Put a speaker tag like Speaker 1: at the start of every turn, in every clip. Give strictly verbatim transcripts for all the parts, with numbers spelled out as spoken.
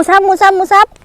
Speaker 1: ซับหมูซับหมูซับ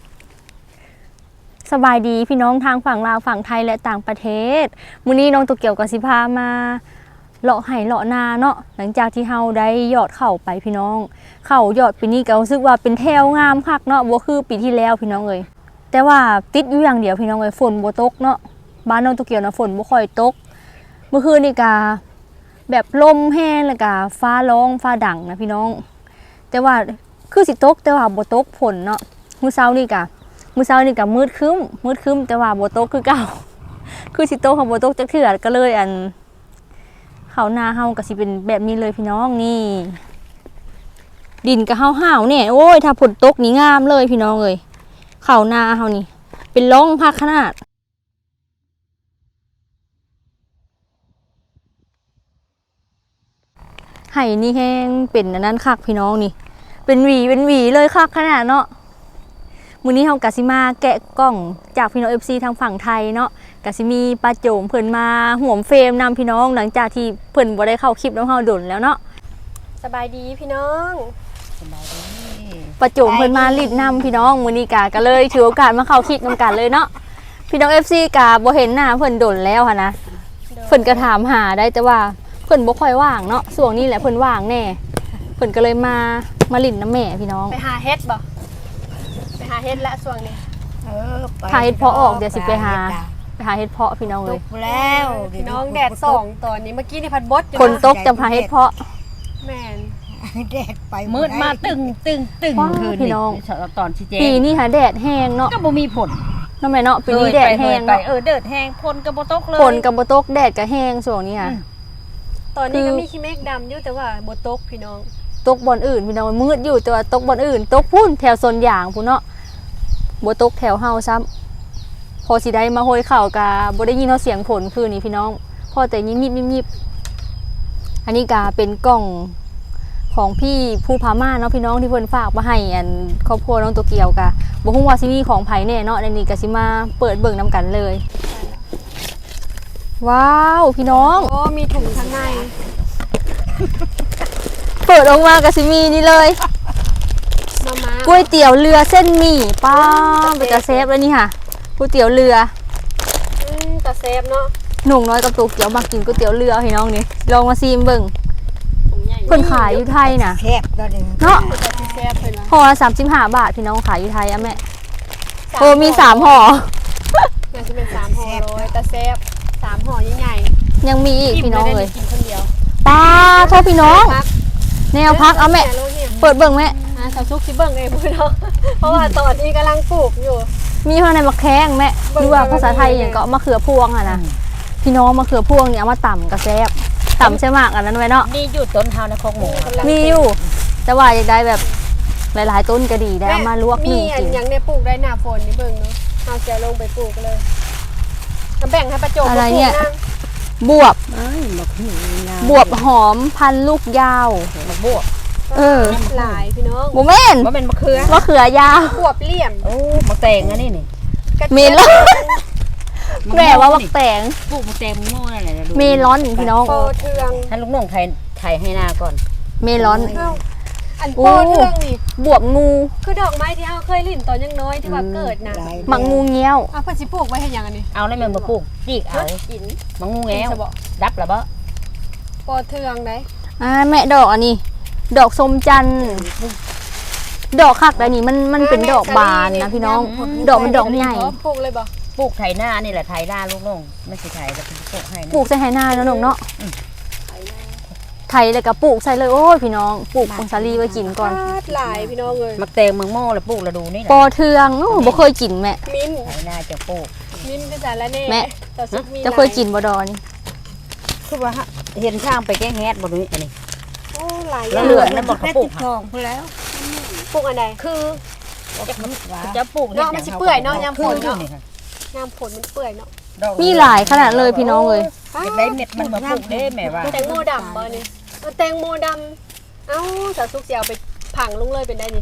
Speaker 1: สบายดีพี่น้องทางฝั่งลาวฝั่งไทยและต่างประเทศมื้อนี้น้องตัวเกี่ยวกับสิพามาเลาะไห่เลาะนาเนาะหลังจากที่เฮาได้ยอดเข่าไปพี่น้องเข่ายอดปีนี้ก็รู้สึกว่าเป็นแถวงามคักเนาะบ่คือปีที่แล้วพี่น้องเอ้ยแต่ว่าติดอยู่อย่างเดียวพี่น้องเอ้ยฝนบ่ตกเนาะบ้านน้องตัวเกี่ยวนะฝนบ่ค่อยตกเมื่อคืนนี่ก็แบบลมแห้งแล้วก็ฟ้าร้องฟ้าดังนะพี่น้องแต่ว่าคือสิตกแต่ว่าบ่ตกฝนเนาะมื้อเช้านี่ก็มื้อเช้านี่ก็มืดครึ้มมืดครึ้มแต่ว่าบ่ตกคือเก่าคือสิตกของบ่ตกจักเทื่อก็เลยอันข้าวนาเฮาก็สิเป็นแบบนี้เลยพี่น้องนี่ดินก็ห่าวๆเนี่ยโอ้ยถ้าฝนตกนี่งามเลยพี่น้องเอ้ยข้าวนาเฮานี่เป็นร่องพักขนาดไห่นี่แห้งเป็นอันนั้นคักพี่น้องนี่เป็นหวีเป็นหวีเลยคักขนาดเนาะมื้อนี้เฮากะสิมาแกะกล้องจากพี่น้อง เอฟ ซี ทางฝั่งไทยเนาะกะสิมีป้าโจมเพิ่นมาห่วมเฟรมนำพี่น้องหลังจากที่เพิ่นบ่ได้เข้าคลิปนำเฮาดนแล้วเนาะ
Speaker 2: สบายดีพี่น้อง
Speaker 3: สบายดี
Speaker 1: ป้าโจมเพิ่นมาลีดนำพี่น้องมื้อนี้กะก็เลยถือโอกาสมาเข้าคลิปนำกันเลยเนาะพี่น้อง เอฟ ซี กะบ่เห็นหน้าเพิ่นดนแล้วหั่นนะเพิ่นก็ถามหาได้แต่ว่าเพิ่นบ่ค่อยว่างเนาะช่วงนี้แหละเพิ่นว่างแน่เพิ่นก็เลยมามาลิ้นน้ำแม่พี่น้อง
Speaker 2: ไปหาเฮ็ดบ่ไปหาเฮ็ดละช่วงนี้
Speaker 3: เออ
Speaker 1: หาเฮ็ดเพาะออกเดี๋ยวสิไปหาไปหาเฮ็ดเพาะพี่น้องเลย
Speaker 3: แล้ว
Speaker 2: พี่น้องแดดส่องตอนนี้เมื่อกี้นี่พัดบดอยู่
Speaker 1: ฝนตกจะหาเฮ็ดเพาะ
Speaker 2: แม่น
Speaker 3: แดดไปมืดมาตึงตึงตึงคืน
Speaker 1: พี่น้อง
Speaker 3: ตอนชี้แจง
Speaker 1: ปีนี้หาแดดแห้งเนาะ
Speaker 3: ก็บ่มีผล
Speaker 1: ทำไมเนาะปีนี้แดดแห้งเนาะ
Speaker 3: เออแดดแห้งฝนก็บ่ตกเลย
Speaker 1: ฝนก็บ่ตกแดดก็แห้งช่วงนี้ค่ะ
Speaker 2: ตอนนี้ก็มีขี้เมฆดำอยู่แต่ว่าบ่ตกพี่น้อง
Speaker 1: ตกบอนอื่นพี่น้องมืดอยู่แต่ว่าตกบอนอื่นตกพุ่นแถวโซนยางพุ่นเนาะบ่ตกแถวเฮาซ้ำพอสิได้มาโหยข่าวกาบ่ได้ยินเสียงฝนคืนนี้พี่น้องพอแต่ยิบยิบยิบยิบอันนี้กาเป็นกล่องของพี่ผู้พาม่าเนาะพี่น้องที่เพิ่นฝากมาให้อันครอบครัวน้องตัวเกียวกะบ่ฮู้ว่าสิมีของไผแน่เนาะในนี้ก็สิมาเปิดเบิ่งนำกันเลยว้าวพี่น้อง
Speaker 2: โอ้มีถุงข้างใน
Speaker 1: เปิดออกมาก็สิมีนี่เลย
Speaker 2: มาม่า
Speaker 1: ก๋วยเตี๋ยวเรือเส้นหมี่ป้าเป็นตาเซฟแล้วนี่ค่ะก๋วยเตี๋ยวเรือ
Speaker 2: อืมตาเซฟเนาะ
Speaker 1: หนุ่มน้อยกับตัวเกียวมากินก๋วยเตี๋ยวเรือพี่น้องนี่ลองมาซีมเบิ่งเพิ่นขายอยู่ไทยน่ะ
Speaker 3: แซ่บ
Speaker 1: เนาะ
Speaker 2: แซ่บเพิ่นว่า
Speaker 1: ห่อละสามสิบห้าบาทพี่น้องขายอยู่ไทยอ่ะแม่โอ้มีสามห่อ
Speaker 2: น่าจะเป็นสามห่อร้อยตาเซฟสามห่อใหญ่
Speaker 1: ๆยังมีอีกพี่น้องเลย
Speaker 2: กินคนเดียว
Speaker 1: ป้าโทษพี่น้องแนวพักเอาแม่เปิดเบิ่งแม่
Speaker 2: อ่าสาวซุกสิเบิ่งเองพี่น้องเพราะว่าตอนนี้กำลังปลูกอยู่
Speaker 1: มีข้างในมะแข้งแม่หรือว่าภาษาไทยอย่างก็มะเขือพวงอ่ะนะพี่น้องมะเขือพวงเนี่ยเอามาต่ำกระแซบต่ำใช่มากอันนั้นไว้เนาะ
Speaker 3: มีอยู่ต้นเฮาในคอกหมู
Speaker 1: มีอยู่แต่ว่าอยากได้แบบหลายๆต้นก็ดีได้มาลวก
Speaker 2: มีอันยังได้ปลูกได้หน้าฝนนี่เบิ่งเนาะเอาเสียลงไปปลูกเลยแบ่งให้ประโจม
Speaker 1: อะไรเนี่ยบวบบวบหอมพันลูกยาว
Speaker 3: บวบ
Speaker 1: เออ
Speaker 2: หลายพี่น้อง
Speaker 1: โมเมนต์
Speaker 3: ว่าเป็นมะเขือ
Speaker 1: มะเขือยาว
Speaker 2: บวบเลี่ยม
Speaker 3: โอ้มะแตงอันนี้นี่
Speaker 1: เมลอนแม่ว่ามะแตง
Speaker 3: ปลูกมะแตงโม่นั่นแหละ
Speaker 1: เมลอนพี่น้อง
Speaker 2: โปเทือง
Speaker 3: ให้ลูกน้องไทยไทยให้หน้าก่อน
Speaker 1: เมลอน
Speaker 2: อันโปเทืองนี่
Speaker 1: บวบงู
Speaker 2: คือดอกไม้ที่เฮาเคยลิ้นตอนยังน้อยที่ว่าเกิดน่ะ
Speaker 1: มังงูเงี้ยว
Speaker 2: อ่ะเพิ่นสิปลูกไว้ให้หยังอันนี้
Speaker 3: เอาแล้วแม่มาปลูกจีกเอา
Speaker 2: กิน
Speaker 3: มังงูแง้วดับแล้วบ่
Speaker 2: โปเทืองได้
Speaker 1: อ่าแม่ดอกอันนี้ดอกสมจันทร์ดอกคักแต่นี่มันมันเป็นดอกบานนะพี่น้องดอกมันดอกใหญ่
Speaker 2: ปลูกเลยบ่
Speaker 3: ปลูกไถหน้านี่แหละไถหน้าลูกน้องไม่ใช่ไถแต่ปลูกให้
Speaker 1: ปลูกใส่ไถหน้าเนาะน้องเนาะไถเลยกับปลูกใส่เลยโอ้ยพี่น้องปลูกผงสาลีไว้กินก่อน
Speaker 2: หลายพี่น้องเลย
Speaker 3: มักแตงเมืองโม่แล้วปลูกแล้วดูนี่
Speaker 1: ปอเทืองโอ้บ่เคยกินแม่
Speaker 2: มิ้น
Speaker 3: ไถหน้าจะปลูก
Speaker 2: มิ้นก็จะละแน่
Speaker 1: แม่จะเคยกินบ่ดอนี่
Speaker 3: คือว่าเห็นช่างไปแก้แฮดบ่ดูนี่อันนี้
Speaker 2: โอ้หลาย
Speaker 3: เหลือนั่นบ่เขาปลูก
Speaker 2: ทองพุ่นแล้วปลูกอันใด
Speaker 3: คือจะปลูก
Speaker 2: เนาะมันสิเปื่อยเนาะยามฝนเนาะยามฝนมันเปื่อยเนาะ
Speaker 1: มีหลายขนาดเลยพี่น้องเลย
Speaker 3: ได้เม็ดมันมาปลูกได้แม่ว่า
Speaker 2: แตงโมดำบ่นี่แตงโมดำเอ้าสาวซุกสิเอาไปผังลงเลยเป็นได้นี่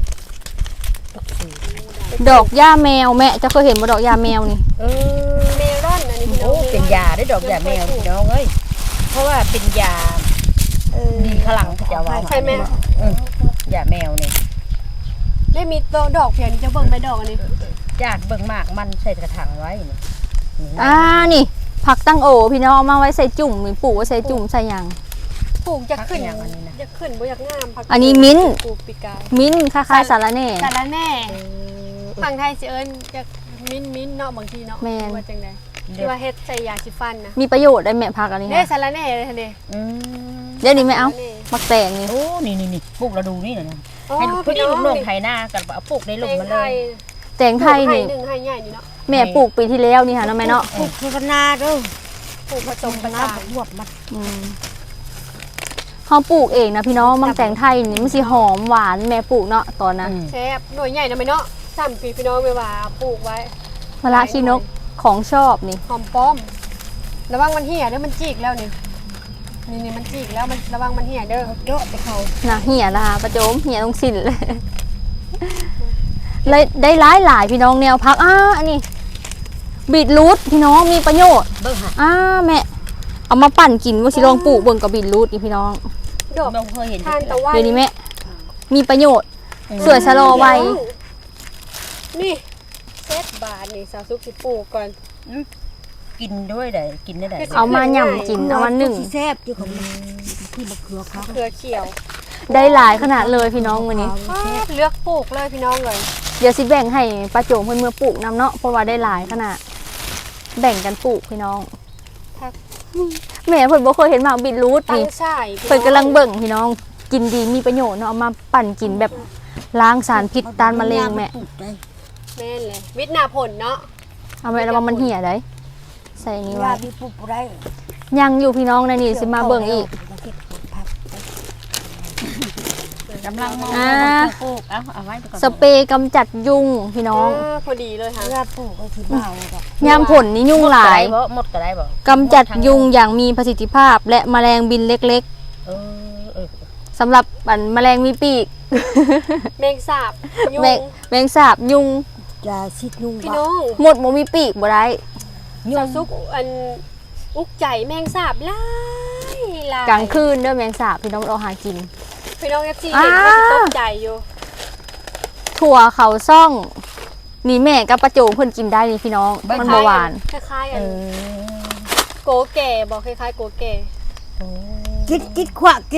Speaker 1: ดอกหญ้าแมวแม่จะเคยเห็นบ่ดอกหญ้าแมวนี่
Speaker 3: เออ
Speaker 2: เมลอนอันนี้พี่น้อง
Speaker 3: เป็นยาได้ดอกหญ้าแมวพี่น้องเอ้ยเพราะว่าเป็นยาดีขลังจะว่า
Speaker 2: ใช่ไหม
Speaker 3: หญ้าแมวนี่
Speaker 2: ได้มีโตดอกเพียงนี่จะเบิ่งไปดอกอันนี้
Speaker 3: จากเบิ่งหมากมันใส่กระถางไว้นี่นี่นะ
Speaker 1: อ่านี่ผักตั้งโอพี่น้องเอามาไว้ใส่จุ่มมีปลูกไว้ใส่จุ่มใส่หยัง
Speaker 2: ปลูกจะขึ้นจะขึ้นบ่อยากงามพัก
Speaker 1: อันนี้มิ้นท์
Speaker 2: ปลูกปีกาย
Speaker 1: มิ้นท์คล้ายๆสาระแหน่
Speaker 2: สารแหน่ฝั่งไทยสิเอิ้นจะมิ้นมิ้นเนาะบางทีเนาะ
Speaker 1: แม่น
Speaker 2: ว่าจังได๋ที่ว่าเฮ็ดใส่ยาสีฟันนะ
Speaker 1: มีประโยชน์ได้แม่ผักอันนี้
Speaker 2: เด้
Speaker 1: ค่ะ
Speaker 2: สารแหน่เลยเด้
Speaker 3: อืม
Speaker 1: เดี๋ยวนี้ไม่เอามักแตงนี่
Speaker 3: โอ้นี่นี่นี่ปลูกเราดูนี่นะ
Speaker 2: อ๋อ
Speaker 3: ให้พอดี
Speaker 2: พี่
Speaker 3: ลู
Speaker 2: น้
Speaker 3: ก
Speaker 2: อง
Speaker 3: น้องไถนากันเอาปลูกในหลุมมันเลย
Speaker 1: แตงไทยนี่
Speaker 2: หนึ่งให้ใหญ่นี่เนาะ
Speaker 1: แม่ปลูกปีที่แล้วนี่ค่ะน้องแม่เนาะ
Speaker 3: ปลูกคือกันนาเด้อ
Speaker 2: ปลูกผสมผสาน
Speaker 3: บวบมัน
Speaker 1: อืมเขาปลูกเองนะพี่น้องมังแตงไทยนี่มันสิหอมหวานแม่ปลูกเนาะตอนนั้น
Speaker 2: แซ่บหน่วยใหญ่นะแม่เนาะสามปีพี่น้องเวลาปลูกไว้
Speaker 1: มะระขี้นกของชอบนี่
Speaker 2: หอมป้อม ระวังมันเหี่ยเด้อมันจีกแล้วนี่นี่นี่มันจีกแล้วมันระวังมันเหี่ยเด้อ
Speaker 3: เยอะไปเขา
Speaker 1: นะเหี่ยนะคะประโจมเหี่ยตรงสิ้นเลยเลยได้หลายหลายพี่น้องแนวพักอ่าอันนี้บีทรูทพี่น้องมีประโยชน์
Speaker 3: เบิ่งหะ
Speaker 1: อ่าแม่เอามาปั่นกินว่าสิลองปลูกเบิ่งกับบีทรูทนี่พี่น้อง
Speaker 2: ดอก
Speaker 3: เราเคยเห็น
Speaker 2: ทานตะวัน
Speaker 1: เดี๋ยวนี้แม่มีประโยชน์สวยชะลอวัย
Speaker 2: นี่เซตบาทนี่สาวซุกสิปลูกก่อน
Speaker 3: กินด้วยได้กินได้ได้
Speaker 1: เอามาหย่ำกินเอามาหนึ่ง
Speaker 3: แซ่บอยู่ของที่มะเขือเขา
Speaker 2: เครือเขียว
Speaker 1: ได้หลายขนาดเลยพี่น้องวันนี้
Speaker 2: เลือกปลูกเลยพี่น้องเลย
Speaker 1: เดี๋ยวสิแบ่งให้ป้าโจมเพื่อนเมื่อปลูกนำเนาะเพราะว่าได้หลายขนาดแบ่งกันปลูกพี่น้อง
Speaker 2: พัก
Speaker 1: แม่เพิ่นบ่เคยเห็นหมากบีทรูท
Speaker 2: ตั้ง
Speaker 1: นี่
Speaker 2: ใช่
Speaker 1: เพิ่นกำลังเบิ่งพี่น้องกินดีมีประโยชน์เนาะเอามาปั่นกินแบบล้างสารพิษต้านมะเร็งแม่
Speaker 2: แม่นเลยวิทย์นาผลเนาะ
Speaker 1: เอาไว้แล้วว่ามันเหี่ยได้ใส่นี่ไว้
Speaker 3: ว่าพี่ปลูกได้
Speaker 1: ยังอยู่พี่น้องในนี่สิมาเบิ่งอีก
Speaker 3: กำลังมอง
Speaker 1: อ่า
Speaker 3: ปลูกเอาเอาไว้ไปก่อน
Speaker 1: สเปรย์กำจัดยุงพี่น้อง
Speaker 2: าพอดีเลยค่ะ
Speaker 3: ว่าปลูกก็คือเบาแบบ
Speaker 1: ยามผลนี่ยุงหลาย
Speaker 3: บ่หมดก็ได้บ่
Speaker 1: กำจัดยุงอย่างมีประสิทธิภาพ และแมลงบินเล็ก
Speaker 3: เออเออ
Speaker 1: ๆสำหรับอันแมลงมีปีก
Speaker 2: แมงสาบยุ
Speaker 1: แมง
Speaker 2: ง
Speaker 1: แมงสาบยุง
Speaker 3: จะชิดยุง
Speaker 2: พี่น้อง
Speaker 1: หมดบ่มีปีกบ่ได้
Speaker 2: สาวซุกอันอุกใจแมงสาบหลายหลาย
Speaker 1: กลางคืนเด้อแมงสาบพี่น้องเราหากิน
Speaker 2: พี่น้องเอฟซี
Speaker 1: อ่า
Speaker 2: เห็นก็สิตกใจอยู่
Speaker 1: ถั่วเขาซ่องนี่แม่กับประโจมเพิ่นกินได้นี่พี่น้องมันบ่หวาน
Speaker 2: คล้ายๆ
Speaker 3: เอ
Speaker 2: อัน
Speaker 3: อ
Speaker 2: โกแก่บอกคล้ายๆโกแก่
Speaker 3: กินกินขวากิน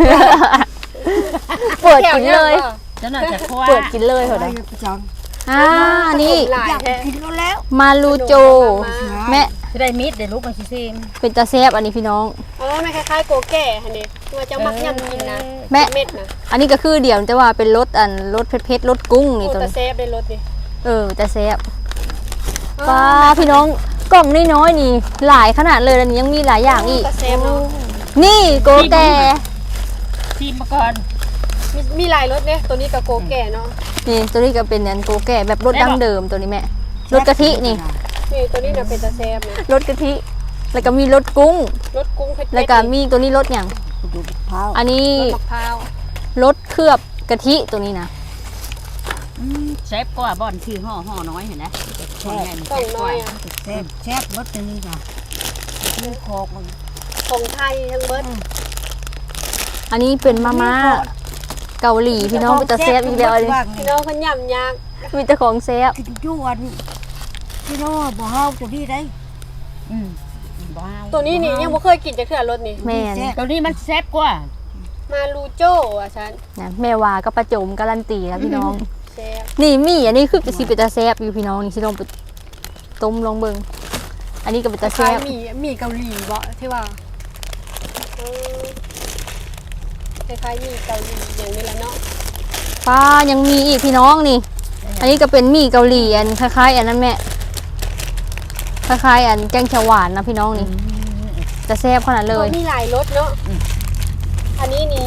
Speaker 1: เปิดกินเลย
Speaker 3: เจ้าหน่อยจะขวา
Speaker 1: เปิดกินเลยเหรอนะอ่านี่
Speaker 2: หลายแท้
Speaker 3: กินแล้ว
Speaker 1: มาลูโจ แม่
Speaker 3: จะได้มิดเดี๋ยวลูกมันชิซิม
Speaker 1: เป็นตาแซบอันนี้พี่น้อง
Speaker 2: เออมันคล้ายๆโกแก่ฮันนี่ตัวเจ้ามักย่ำกินนะ
Speaker 1: แม่
Speaker 2: เม็ดนะ
Speaker 1: อันนี้ก็คือเดี๋ยวแต่ว่าเป็นรสอันรสเผ็ดๆรสกุ้งนี่
Speaker 2: โอ้
Speaker 1: ตัว
Speaker 2: แต่
Speaker 1: นี้
Speaker 2: เซฟได้รสดิ
Speaker 1: เออตาแซบป้าพี่น้องกล่องน้อยๆนี่ หลายขนาดเลยอันนี้ยังมีหลายอย่างอีก
Speaker 2: แต่เซฟเนาะ
Speaker 1: นี่โกแก่
Speaker 3: ชิมมาก่อน
Speaker 2: มีมีหลายรสเนี่ยตัวนี้กับโกแก่เนาะ
Speaker 1: นี่ตัวนี้ก็เป็นอันโกแก่แบบรสดั้งเดิมตัวนี้แม่รสกะทินี่
Speaker 2: นี่ตัวนี้น่ะเป็นแต่เซฟนะ
Speaker 1: รสกะทิ แล้วก็มีรสกุ้ง
Speaker 2: รสกุ้งเผ็ดๆ
Speaker 1: แล้วก็มีตัวนี้รสอย่าง
Speaker 3: ดูเผา
Speaker 1: อันนี้
Speaker 2: รสมะพร้าว
Speaker 1: รสเคลือบกะทิตัวนี้นะ
Speaker 3: เชฟก็บ่อนชื่อห่อห่อน้อยเห็นไหมแซ่บ
Speaker 2: กล่องน้อยอ่ะ
Speaker 3: แซ่บแซ่บรสตัวนี้จ้ะเรื่องคอกมัน
Speaker 2: ของไทยทั้งเบิด
Speaker 1: อันนี้เป็นมาม่าเกาหลีพี่น้องเป็นตาแซบอีกแล้วเลย
Speaker 2: พี่น้องคนย่ำยาก
Speaker 1: มีแต่ของแซบ
Speaker 3: กินจวนพี่น้องบ่เฮาตัวนี้ได้อืมบ้า
Speaker 2: ตัวนี้นี่ยังไม่เคยกินจะเถื่อรสนี่
Speaker 1: แม่น
Speaker 3: ตัวนี้มันแซ่บกว่า
Speaker 2: มาลูโจ้อ่ะฉัน
Speaker 1: นะแม่วาก็ประโจมการันตีแล้วพี่น้อง
Speaker 2: เซฟ
Speaker 1: นี่มีอันนี้คือสิเป็นตาแซบอยู่พี่น้องนี่สิลองไปต้มลองเบิ่งอันนี้ก็เป็น
Speaker 2: ค
Speaker 1: ตาแซ
Speaker 2: ล้าย
Speaker 1: บ
Speaker 2: ๆหมี่หมี่เกาหลีบ่ที่ว่าเออคล้ายๆหมี่เกาหลีอย่างนี้แหละเนาะ
Speaker 1: ป้ายังมีอีกพี่น้องนี่ อันนี้ก็เป็นหมี่เกาหลีอันคล้ายๆอันนั้นแม่คล้ายๆอันแกงเขียวหวานนะพี่น้องนี่จะแซ่บขนาดเลย
Speaker 2: มีหลายรสเนาะอันนี้นี่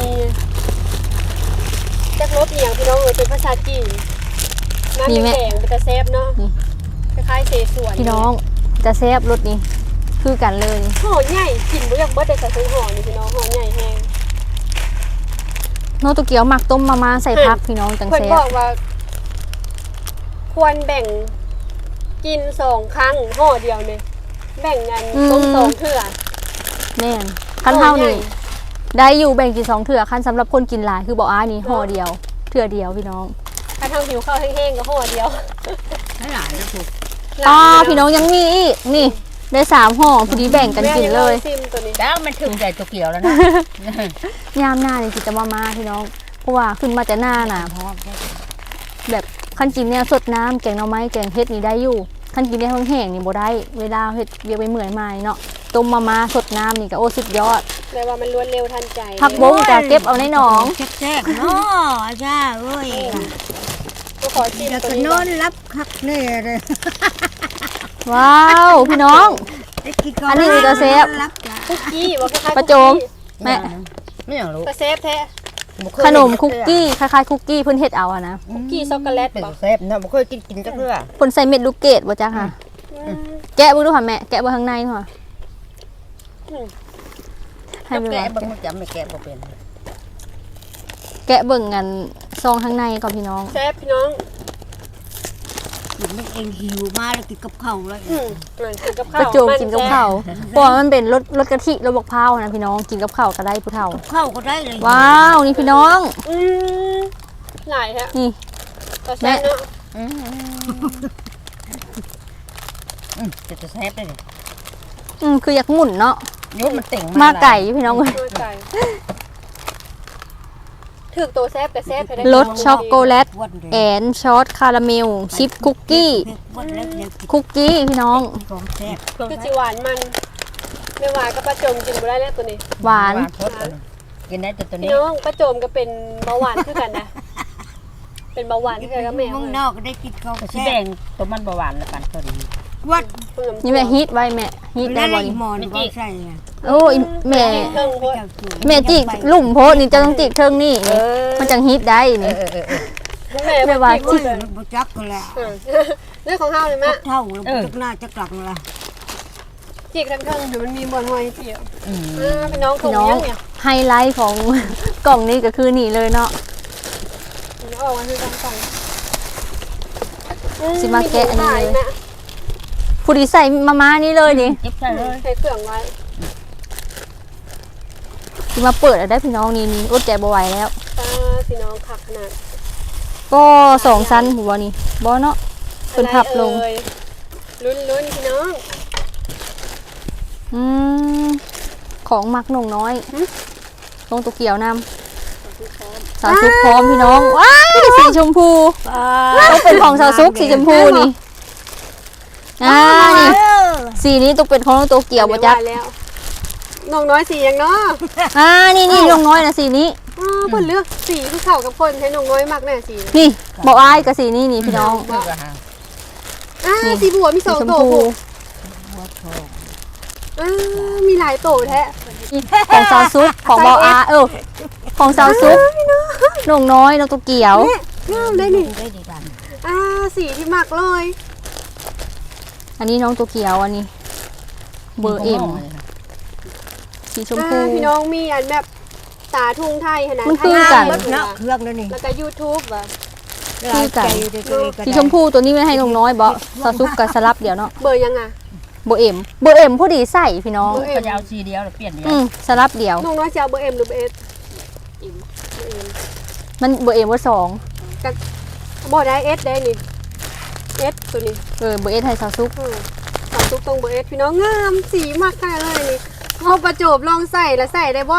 Speaker 2: จักรสเอียงพี่น้องเออเป็นภาษาจีนน้ำแดงๆเป็นตะเซฟเนาะคล้ายๆเสฉวน
Speaker 1: พี่น้องจะแซ่บรสนี้คือกันเลย
Speaker 2: ห่อใหญ่กินบ่อยากเบิดได้ใส่ถุงห่อนี่พี่น้องห่อใหญ่แฮง
Speaker 1: โนโตเกียวหมักต้มมาม่าใส่พักพี่น้องจัง
Speaker 2: เพิ่น
Speaker 1: แซ่
Speaker 2: บบ อกว่า ควรแบ่งกินสองครั้งห่อเดียวเนี่ยแบ่งกันต้มสองเทื่อ
Speaker 1: แม่นขั้นเท่านี่ได้อยู่แบ่งกินสองเถื่อขั้นสำหรับคนกินหลายคือบอกอ้านี่ห่อเดียวเถื่อเดียวพี่น้อง
Speaker 2: คถ้าทำหิวข้าวแห้งๆก็ห่อเดียว
Speaker 3: ให้หลานนะถูก
Speaker 1: อ๋อพี่น้องยังมีอีกนี่ได้สามห่อพอดีแบ่งกันกินเลย
Speaker 2: แม่งซิมตัวนี้
Speaker 3: แล้วมันถึงใจตัวเกี่ยวแล้วนะ
Speaker 1: ยามหน้านี่สิจะมามาพี่น้องเพราะว่าขึ้นมาแต่หน้าน่ะ
Speaker 3: เพราะว่า
Speaker 1: แบบขั้นกินเนี่ยสดน้ำแกงหน่อไม้แกงเฮ็ดนี่ได้อยู่ขั้นกินเนี่ยแห้งๆนี่บ่ได้เวลาเฮ็ดเรียกไปเหมื่อยมาเนาะต้มมามาสดน้ำนี่ก็โอ้สุดยอด
Speaker 2: แปลว่ามันรวดเร็วทันใจ
Speaker 1: ผักบงจะเก็บเอาในหนอง
Speaker 3: แซ่บๆเนาะจ้าเอ้ย
Speaker 2: ก็ขอชิม
Speaker 3: แล้ว
Speaker 2: ตัว
Speaker 3: ก็
Speaker 2: นี้
Speaker 3: น
Speaker 2: ก่
Speaker 3: อ
Speaker 2: อน
Speaker 3: นรับคักแน่เลย
Speaker 1: ว้าวพี่น้อง
Speaker 3: ได้กินก่
Speaker 1: อันนี้มีตัวเซฟ
Speaker 3: รับจ้ะ
Speaker 2: คุกกี้ว่าคล้ายๆ
Speaker 1: ประโจม แม่
Speaker 3: ไม่อยากรู้
Speaker 2: แต่เซฟแท้
Speaker 1: ขนมคุกกี้คล้ายๆคุกกี้เพิ่นเฮ็ดเอาอะนะ
Speaker 2: คุกกี้ช็อกโกแลต
Speaker 3: เป็น
Speaker 2: บ่
Speaker 3: เซฟนะบ่เคยกินกินจักเทื่อ
Speaker 1: เพิ่นใส่เม็ดลูกเกดบ่จ๊ะค่ะ
Speaker 2: อืม
Speaker 1: แกะเบิ่งดูค่ะแม่แกะเบิ่งข้างในค่ะ
Speaker 2: อืม
Speaker 1: ให้
Speaker 3: ให้
Speaker 1: เบิ่ง
Speaker 3: แกะ
Speaker 1: ว่า
Speaker 3: บ่มันจำไม่แกะบ่เป็น
Speaker 1: แกะเบิ่งกันซองข้างในก่อนพี่น้อง
Speaker 2: เซฟพี่น้อง
Speaker 3: กินมันเองหิวมาแล้วกินกับข้าวแล้ว
Speaker 2: อืมอ่ะกินกับข้าว
Speaker 1: ประโจมกินกับข้าวเพราะว่ามันเป็นรสรสกะทิรสบักพร้าวนะพี่น้องกินกับข้าวก็ได้ผู้เฒ่า
Speaker 3: ข้าวก็ได้เลย
Speaker 1: ว้าวนี่พี่น้อง
Speaker 2: อืมหลายฮะ
Speaker 1: นี่
Speaker 2: ตัวเซฟเนาะ
Speaker 3: อืมอืมจะจะแซ่บได้เลย
Speaker 1: อืมคืออยากหมุนเนาะ
Speaker 3: เดี๋ยวมันเต่ง
Speaker 1: มาไก่พี่น้อง
Speaker 2: ตัวไก่ถึกตัวเซฟกับเซฟให้ได้
Speaker 1: รสช็อกโกแลต
Speaker 3: วันเดียว
Speaker 1: แอนซอสคาราเมลชิปคุกกี้
Speaker 3: วันแล้วเดี๋ยวกิน
Speaker 1: คุกกี้พี่น้อง
Speaker 3: ของแซ่บ
Speaker 2: คือจิหวานมันไม่หวานก็ประโจมกินบ่ได้แล้วตัวนี้
Speaker 1: หวาน
Speaker 3: พดกินได้แต่ตัว
Speaker 2: พี่
Speaker 3: นี้
Speaker 2: น้องประโจมก็เป็นเบาหวานคือกันนะ เป็นเบาหวานคือกันกับแม่
Speaker 3: มึงน
Speaker 2: เนาะ
Speaker 3: อกก็ได้กินของ
Speaker 4: สี
Speaker 3: แซ่
Speaker 4: แด
Speaker 3: บ
Speaker 4: งตัวมันประหวานแล้วกันตัวนี้
Speaker 3: วัด
Speaker 1: นี่แม่ฮีทไว้แม่ฮีทได้
Speaker 3: แล้ว
Speaker 1: บ่
Speaker 3: อี
Speaker 1: นี่
Speaker 3: หมอนก็ใส่ไง
Speaker 1: โอ้ยแม่
Speaker 2: เครื่องโพด
Speaker 1: แม่จิกลุ่มโพดนี่จะต้องจิกเทิงนี่นี่มันจังฮีทได้
Speaker 3: เอ
Speaker 1: นี่
Speaker 3: อเออเออ
Speaker 2: แม่
Speaker 1: แม่ว่า
Speaker 2: จิก
Speaker 1: จิก
Speaker 2: เลย
Speaker 3: บ่จักก็แล้ว
Speaker 2: เออเรื่องของเฮาเลยแม่
Speaker 3: เท่าแล้วจักหน้าจักหลังละ
Speaker 2: จิกทั้งเครื่องเดี๋ยวมันมีบอนหอยเจียว
Speaker 3: อืม
Speaker 2: อ่าพี่น้องค
Speaker 1: พี่
Speaker 2: ง
Speaker 1: น้อง
Speaker 2: ยังเนี่ย
Speaker 1: ไฮไลท์ของ กล่องนี้ก็คือนี่เลยเนาะ
Speaker 2: เอาออกมาคือกันกันอื
Speaker 1: สิมาแกะอันนี้เลย
Speaker 2: มีหมูหาแม่
Speaker 1: ผู้ดีใส่มาม่านี่เลยนี่
Speaker 4: เจ็บใส่เลย
Speaker 2: ใส่เครื่องไว้
Speaker 1: สิมาเปิดเอาได้พี่น้องนี่นี่อดใจบ่ไหวแล้ว
Speaker 2: ตาพี่น้องขักขนาด
Speaker 1: ก็สองชั้นหัวนี่บ่เนาะเพิ่นพับลง
Speaker 2: อะไรเอ่ยลุ้นลุ้นพี่น้อง
Speaker 1: อืมของมักหนงน้อยลงตัวเกี่ยวนำสาวซุปพร้อมพี่น้องว้ายสีชมพูต้องเป็นของสาวซุปสีชมพูนี่อ่านี่สีนี้ต้องเป็นของตัวเกี่ยวบ่จัก
Speaker 2: เดี๋ยวว่าแล้วน้องน้อยสีอย่างเนาะ
Speaker 1: อ่านี่นี่นงน้อยนะสีนี้
Speaker 2: อ๋อเพิ่นเลือกสีที่เข้ากับคนให้น้องน้อยมากแน่สี
Speaker 1: นี่บอกอ้ายกับสีนี้นี่พี่น้อง
Speaker 3: เพื่อหา
Speaker 2: อ่า
Speaker 1: นี่
Speaker 2: สีบัวมีส
Speaker 1: สี
Speaker 2: อง
Speaker 1: ชม
Speaker 2: โต
Speaker 1: พู
Speaker 2: ผูก
Speaker 3: หัวทอง
Speaker 2: อ่ามีหลายโตแท้
Speaker 1: ของสาวซุปของบออาเออของสาวซุปนงน้อยนกตัวเกี่ยว
Speaker 2: งามได้นี่
Speaker 3: ได้ดีกัน
Speaker 2: อ่าสีที่มักเลย
Speaker 1: อันนี้น้องตัวเกี่ยวอันนี้ เบอร์เอ็มสีชมพู
Speaker 2: อ่าพี่น้องมีอันแบบตาทุ่งไทยขนาด
Speaker 1: มันคือกัน
Speaker 2: ไทย
Speaker 3: เนาะเครื่องนั่นนี่
Speaker 2: แล้วก็ YouTube ว่ะ
Speaker 1: คือกัน สีชมพูตัวนี้ไม่ให้นงน้อยบอสาวซุปกับสลับเดี๋ยวเนาะ
Speaker 2: เบอร์ยังอ่ะ
Speaker 1: เบอร์เอ็มเบอร์เอ็มพอดีใส่พี่น้อง
Speaker 2: เบอร์เอ็
Speaker 4: ก็
Speaker 2: ม
Speaker 4: จะเอาสีเดียวหรือเปลี่ยนเดียว
Speaker 1: อืมสลับเดียว
Speaker 2: น้องน้อยจะเอาเบอร์เอ็มหรือเบอร์เอส
Speaker 1: มันเบอร์เอ็มเบอร์สอง
Speaker 2: บ่ได้เอสได้นี่เอสตัวนี้
Speaker 1: เออเบอร์เอสให้สาวซุป
Speaker 2: อืมสาวซุปตรงเบอร์เอสพี่น้องงามสีมากขนาดเลยนี่เอาประโจบลองใส่แล้วใส่ได้บ่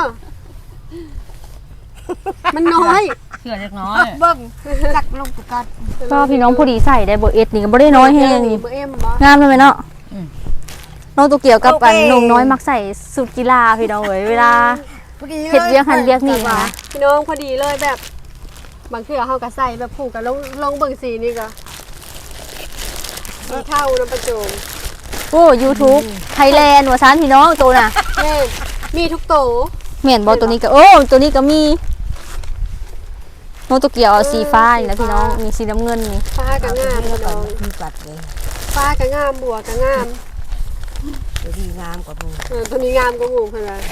Speaker 2: มันน้อย
Speaker 4: เสื้อเล็กน้อย
Speaker 3: เบิ้งจักลงประกาศ
Speaker 1: ก็พี่น้องพอดีใส่ได้เบอร์เอสนี่ก็บ่ได้น้อยแฮงนี่
Speaker 2: เบอร์เอ็มบ่
Speaker 1: งามเลยไหมเนาะน้องตัวเกี่ยวกับอันนงน้อยมักใส่สุดกีฬาพี่น้องเอ้ยเวลา เฮ็ดเวียกหันเวียกนี่นะ
Speaker 2: พี่น้องพอดีเลยแบบ บางทีเฮาก็ใส่แบบผูกกับลงลงเบิ่งสีนี่ก็สีเท่าน้ำประโจม
Speaker 1: โอ้ YouTube ไทยแลนด์ว่าซันพี่น้องตัวน่ะ
Speaker 2: แม่มีทุกโต
Speaker 1: เหม็นบอตัวนี้ก็โอ้ตัวนี้ก็มีน้องตัวเกี่ยวเอาสีฟ้านี่นะพี่น้องมีสีน้ำเงินนี่
Speaker 2: ฟ้าก็งามพี่น้อง
Speaker 3: คือกัดเลย
Speaker 2: ฟ้าก็งามบัวก็งาม
Speaker 3: ตัวดีงามกว่ามึง
Speaker 2: เออตัวนี้งามกว่าหมู่เพิ่นว่า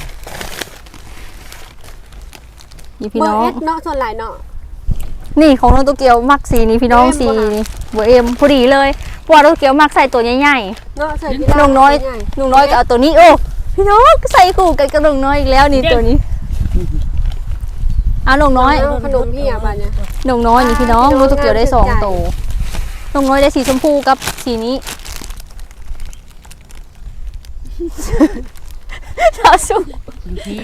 Speaker 1: นี่พี่
Speaker 2: เบอ
Speaker 1: น้อ
Speaker 2: ร์
Speaker 1: ง
Speaker 2: เอสเนาะส่วนหลายเนาะ
Speaker 1: นี่ของน้องตัวเกี่ยวมักสีนี้พี่น้อง
Speaker 2: เอ็ม
Speaker 1: สี
Speaker 2: บ่คะ
Speaker 1: นี่เบอร์เอ็มพอดีเลยเพราะว่าตัวเกี่ยวมักใส่ตัวใหญ่
Speaker 2: เนาะใส่พี่
Speaker 1: ๆน้องน้อย
Speaker 2: ใหญ่
Speaker 1: น้องน้อยก็เอาตัวนี้โอ้พี่น้องใส่คู่กันกับน้องน้อยอีกแล้วนี่ตัวนี้เอานงน้อย
Speaker 2: เาขนมพี่อ่ะบัดเนี่ย
Speaker 1: นงน้อยนี่พี่น้อง
Speaker 2: พี่น้อง
Speaker 1: รู้ตัวเกี่ยวได้สอง
Speaker 2: น่าสนใจ
Speaker 1: โตนงน้อยได้สีชมพูกับสีนี้ สาวสุก
Speaker 4: อยู่ที่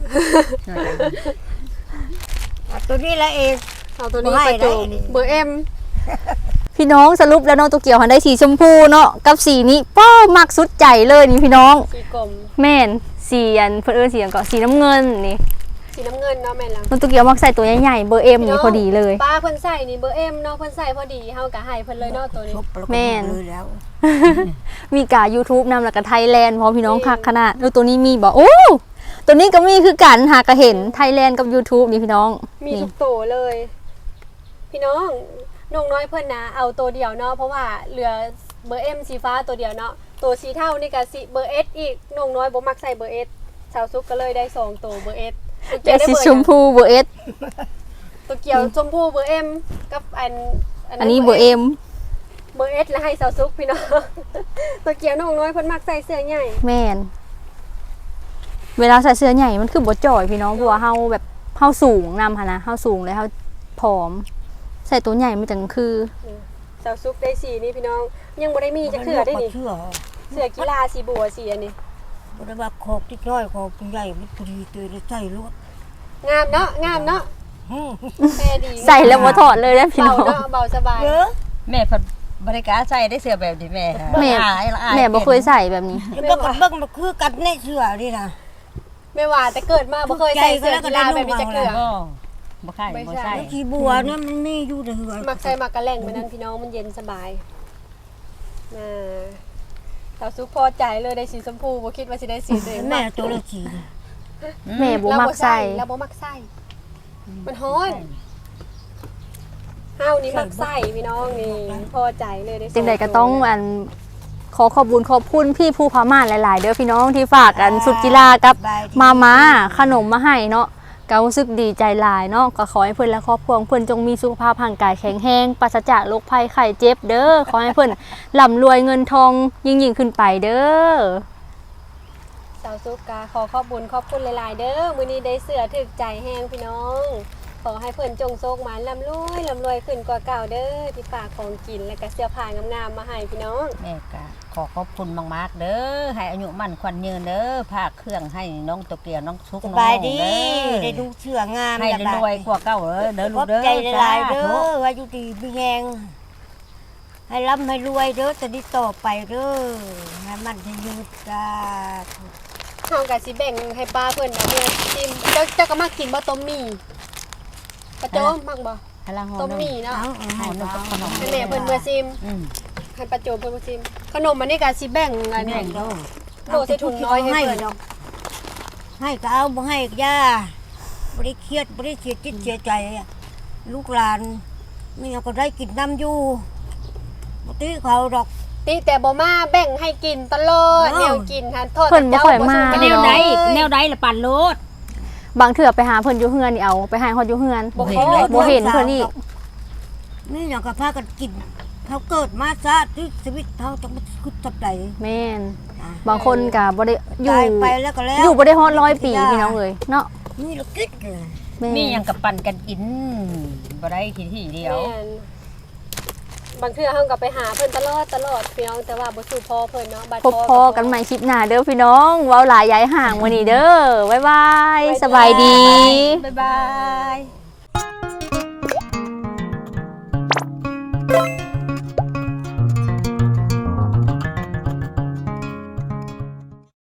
Speaker 3: เอาตัวนี้ละเอง
Speaker 2: เอาตัวนี้
Speaker 3: บ่ให้
Speaker 2: ไปโจม
Speaker 3: ได้นี่
Speaker 2: เบอร์เอ็ม
Speaker 1: พี่น้องสรุปแล้วน้องตัวเกี่ยวหันได้สีชมพูเนาะกับสีนี้ป้อมักสุดใจเลยนี่พี่น้อง
Speaker 2: สีกลม
Speaker 1: แม่นสีอันเพื่นเอนสีอันก็สีน้ำเงินนี่
Speaker 2: สีน้ำเงินเนาะแม่นแล้ว
Speaker 1: น้องตัวเกี่ยวมักใส่ตัวใหญ่ๆเบอร์เอ็มนี่พอดีเลย
Speaker 2: ป้าเพิ่นใส่นี่เบอร์เอ็มเนาะเพิ่นใส่พอดีเฮากะให้เพิ่นเลยเนาะตัวนี้
Speaker 3: ชุบล้วก็
Speaker 1: แม่น
Speaker 3: เลยแล้ว
Speaker 1: มีกา YouTube นำแล้วก็ไทยแลนด์พร้อมพี่น้องคักขนาดแล้วตัวนี้มีบอกโอ้ตัวนี้ก็มีคือกันหากระเห็นไทยแลนด์กับ YouTube นี่พี่น้อง
Speaker 2: มี
Speaker 1: นี่
Speaker 2: ทุกตัวเลย พี่น้องนงน้อยเพิ่นนะเอาตัวเดียวเนาะเพราะว่าเหลือเบอร์เอ็มสีฟ้าตัวเดียวเนาะตัวสีเท่านี่ก็สีเบอร์เอสอีกนงน้อยบ่มักใส่เบอร์เอสสาวซุกก็เลยได้สองตัวเบอร์เอสตัวเกี
Speaker 1: แต่
Speaker 2: ยวได้
Speaker 1: สี
Speaker 2: เบอร์
Speaker 1: ชมพูเบอร์เอส
Speaker 2: ตัวเกียวชมพูเบอร์เอ็มกับอัน
Speaker 1: อันนี้เบอร์เอ็ม
Speaker 2: เบอร์เอสแล้วให้สาวซุกพี่น้อง ตัวเกียวนงน้อยเพิ่นมักใส่เสื้อใหญ่
Speaker 1: แม่นเวลาใส่เสื้อใหญ่มันคือบ่จ่อยพี่น้องเพราะว่าเฮาแบบเฮาสูงนำหั่นนะเฮาสูงแล้วเฮาผอม ใส่ตัวใหญ่มันจังคือ
Speaker 2: สาวซุกได้สีนี่พี่น้องยังบ่ได้มีจะเขื่อได้นี่
Speaker 3: เชื่อ
Speaker 2: เสื้อกีฬาสีบัวสีอันนี้
Speaker 3: บ่ได้ว่าโคกที่น้อยโคกที่ใหญ่มันพอดีตัวเลยใส่รถ
Speaker 2: งามเนาะงามเนาะ
Speaker 3: อืม
Speaker 2: แม่ดี
Speaker 1: ใส่แล้วบ่ถอดเลยนะพี่
Speaker 2: เบา
Speaker 1: น้อง
Speaker 2: เนาะเบาสบาย
Speaker 3: เยอะ
Speaker 4: แม่เพิ่นบริการใส่ได้เสื้อแบบนี้แม่
Speaker 1: แม่
Speaker 4: อายละอาย
Speaker 1: แม่บ่เคยใส่แบบนี้
Speaker 3: แล้วเบิ่งกันเบิ่งมันคือกันในเสื้อนี่นะ
Speaker 2: ไม่ว่าแต่เกิดมาบ่เคยใส่เสื้อกีฬาแบบนี้จะเกลือ
Speaker 4: บ่บ่ใช่บ่ใช่
Speaker 3: แล้วขี้บัวเนี่ยมันมีอยู่ในเหือ
Speaker 2: มักใส่มักกะแหล่งเหมือนนั้นพี่น้องมันเย็นสบายน่าสาวซุกพอใจเลยได้สีชมพูบ่คิดว่าสิได้สีตัวเอง
Speaker 3: แม่ตัวละสี
Speaker 1: แม่บ่มักใส่
Speaker 2: แล้วบ่มักใส่มันฮ้อนเฮานี่มักใส่พี่น้องนี่พอใจเลยได้
Speaker 1: จังใดก็ต้องอันขอขอบคุญขอบคุณพี่ผู้พาม่านหลายๆ เด้อพี่น้องที่ฝากอันสุดกีฬากับมาม่าขนมมาให้เนาะก็รู้สึกดีใจหลายเนาะก็ขอให้เพิ่นและครอบครัวของเพิ่นจงมีสุขภาพร่างกายแข็งแรงปราศจากโรคภัยไข้เจ็บเด้อขอให้เพิ่นร่ำรวยเงินทองยิ่งยิ่งๆขึ้นไปเด้อ
Speaker 2: สาวซุกกาขอขอบคุญขอบคุณหลายๆเด้อมื้อนี้ได้เสื้อถึกใจแห้งพี่น้อง ขอให้เพิ่นจงโชคหมานร่ำรวยร่ำรวยขึ้นกว่าเก่าเด้อที่ฝากของกินและก็เสื้อผ้างามๆมาให้พี่น้อง
Speaker 4: แม่ก็ขอขอบคุณมากๆเด้อให้อายุมั่นขวัญยืนเด้อภาคเครื่องให้น้องโตเกียวน้องซุก
Speaker 3: ส
Speaker 4: น้อง
Speaker 3: บายดี
Speaker 4: เด้อ
Speaker 3: ได้ดูเสื้องาม
Speaker 4: ให้รวยๆกว่าเก่าเด้อเด้อ
Speaker 3: ข
Speaker 4: ลู
Speaker 3: อก บ
Speaker 4: เด้อ
Speaker 3: ใจหลายๆเด้
Speaker 4: สาธุ
Speaker 3: อว่าอยู่ดีมีแหงให้ร่ำให้รวยเด้อจะได้ต่อไปเด้อให้มันให้ยืดจ้า
Speaker 2: เฮาก็สิแบ่งให้ป้าเพิ่นเอาเมื่อชิมเจ้าเจ้าก็มักกินบ่ต้มหมี่ปะโจมมักบ่
Speaker 4: ให้ละห่อ
Speaker 2: ต้ม
Speaker 4: หนึ่ง
Speaker 2: หมี่เนาะ
Speaker 3: เอาเอา
Speaker 4: ห่
Speaker 3: ให้
Speaker 4: อหนึ่ง
Speaker 3: เบา
Speaker 4: กับขนม
Speaker 2: ให้แม่เพิ่นเมื่อชิม
Speaker 4: อืม
Speaker 2: ให้ป้าโจมเพิ่นเมื่อชิมขนมอันนี้ก็สิแบ่งอันนี้
Speaker 4: แบ่งเด้อ
Speaker 2: โดดใส่ถุงน้อยให้เพิ่น
Speaker 3: ดอกให้ก็เอาบ่ให้ก็ย่าบ่ได้เครียดบ่ได้เสียจิตเสียใจอะลูกหลานนี่ก็ได้กินน้ำอยู่บ่ตื้อเขาดอก
Speaker 2: ติแต่บ่มาแบ่งให้กินตลอด
Speaker 3: อ้าว
Speaker 2: แนวกินหันโทษ
Speaker 1: เพิ่นบ่ค่อยมา
Speaker 2: เจ้
Speaker 4: แน
Speaker 2: บ่
Speaker 4: ว
Speaker 2: ส่ง
Speaker 4: ใด
Speaker 2: ไป
Speaker 4: แนวใดละปั่นโลด
Speaker 1: บางเถื่อไปหาเพิ่นอยู่เฮือนนี่เอาไปให้ฮอดอยู่เฮือน
Speaker 2: บ่
Speaker 4: เห็
Speaker 2: เห็
Speaker 4: น
Speaker 2: น
Speaker 4: เลย
Speaker 1: บ่เห็นเพิ่นอีก
Speaker 3: นี่อย่างกับพากันกินเขาเกิดมาซะที่ชีวิตเขาจะมาคุดจับใจ
Speaker 1: แม่นบางคนก็บ่ได้อยู่
Speaker 3: ตายไปแล้วก็แล้ว
Speaker 1: อยู่บ่ได้ฮอดร้อยปีพี่น้องเอ้ยเนาะ
Speaker 3: นี่เราคิดเลย
Speaker 1: แม่
Speaker 4: มีหยังกับปั่นกันกินบ่ได้ทีที่เดียว
Speaker 2: แม่นบางเทื่อเฮาก็ไปหาเพิ่นตลอดตลอดพี่น้องแต่ว่าบ่สู้พอเพิ่นเนาะบัด
Speaker 1: พบพอกันใหม่คลิปหน้าเด้อพี่น้องเว้าหลายย้ายห่างวันนี้เด้อบ๊ายบายสบายดี
Speaker 4: บ๊ายบาย